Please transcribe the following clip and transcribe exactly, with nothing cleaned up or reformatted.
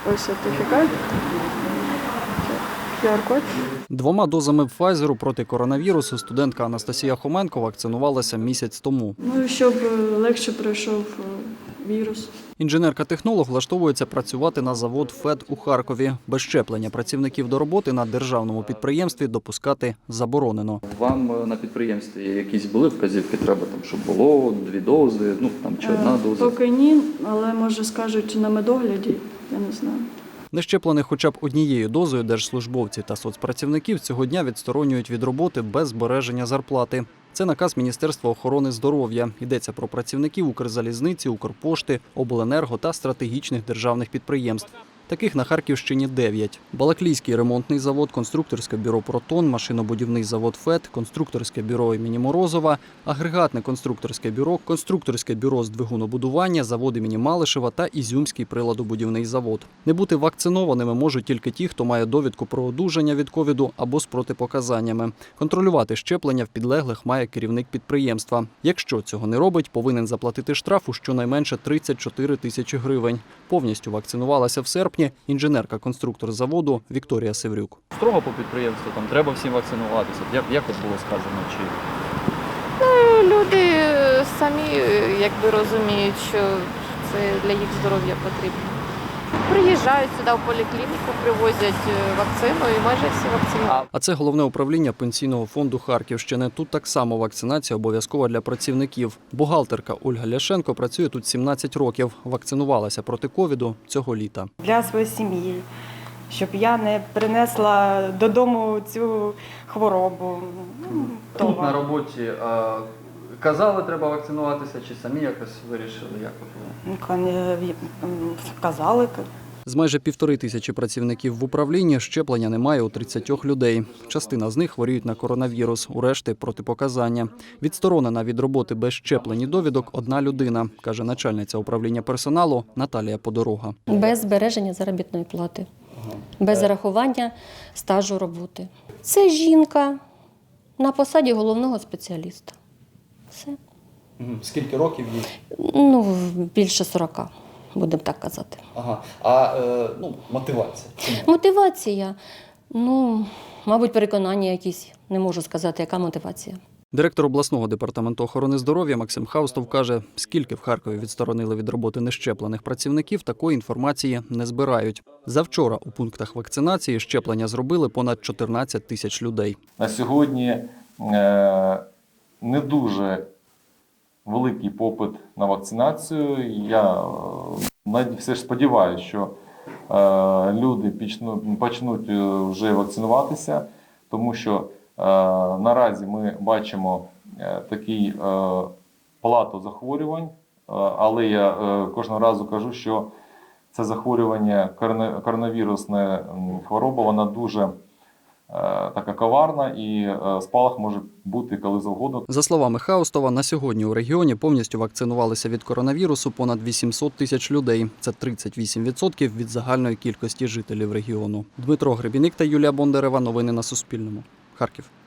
Ось сертифікат. ку ар-код. Двома дозами Пфайзеру проти коронавірусу студентка Анастасія Хоменко вакцинувалася місяць тому. Ну, щоб легше пройшов вірус. Інженерка-технолог влаштовується працювати на завод ФЕД у Харкові. Без щеплення працівників до роботи на державному підприємстві допускати заборонено. Вам на підприємстві якісь були вказівки, треба, там, щоб було дві дози, ну там чи одна доза? Поки ні, але може скажуть на медогляді, я не знаю. Нещеплених хоча б однією дозою держслужбовці та соцпрацівників цього дня відсторонюють від роботи без збереження зарплати. Це наказ Міністерства охорони здоров'я. Йдеться про працівників Укрзалізниці, Укрпошти, Обленерго та стратегічних державних підприємств. Таких на Харківщині дев'ять. Балаклійський ремонтний завод, конструкторське бюро «Протон», машинобудівний завод ФЕД, конструкторське бюро імені Морозова, агрегатне конструкторське бюро, конструкторське бюро з двигунобудування, завод імені Малишева та Ізюмський приладобудівний завод. Не бути вакцинованими можуть тільки ті, хто має довідку про одужання від ковіду або з протипоказаннями. Контролювати щеплення в підлеглих має керівник підприємства. Якщо цього не робить, повинен заплатити штраф у щонайменше тридцять чотири тисячі гривень. Повністю вакцинувалася в серпні інженерка-конструктор заводу Вікторія Севрюк. Строго по підприємству, там треба всім вакцинуватися. Як, як от було сказано? Чи... Ну, люди самі якби розуміють, що це для їх здоров'я потрібно. Приїжджають сюди в поліклініку, привозять вакцину і майже всі вакцинують. А це головне управління Пенсійного фонду Харківщини. Тут так само вакцинація обов'язкова для працівників. Бухгалтерка Ольга Ляшенко працює тут сімнадцять років. Вакцинувалася проти ковіду цього літа. Для своєї сім'ї, щоб я не принесла додому цю хворобу. Тут на роботі а, казали, треба вакцинуватися, чи самі якось вирішили? Як от було? Казали. З майже півтори тисячі працівників в управлінні щеплення немає у тридцятьох людей. Частина з них хворіють на коронавірус, у решти – протипоказання. Відсторонена від роботи без щеплень і довідок одна людина, каже начальниця управління персоналу Наталія Подорога. Без збереження заробітної плати, без зарахування стажу роботи. Це жінка на посаді головного спеціаліста. Все. Скільки років їй? Ну, більше сорока, будемо так казати. Ага. А е, ну, мотивація? Чому? Мотивація? Ну, мабуть, переконання якісь. Не можу сказати, яка мотивація. Директор обласного департаменту охорони здоров'я Максим Хаустов каже, скільки в Харкові відсторонили від роботи нещеплених працівників, такої інформації не збирають. Завчора у пунктах вакцинації щеплення зробили понад чотирнадцять тисяч людей. На сьогодні е, не дуже великий попит на вакцинацію. Я е, все ж сподіваюся, що е, люди почнуть, почнуть вже вакцинуватися, тому що е, наразі ми бачимо е, такий е, плату захворювань, е, але я е, кожного разу кажу, що це захворювання, коронавірусна хвороба, вона дуже така коварна і спалах може бути коли завгодно. За словами Хаустова, на сьогодні у регіоні повністю вакцинувалися від коронавірусу понад вісімсот тисяч людей. Це тридцять вісім відсотків від загальної кількості жителів регіону. Дмитро Гребіник та Юлія Бондарева. Новини на Суспільному. Харків.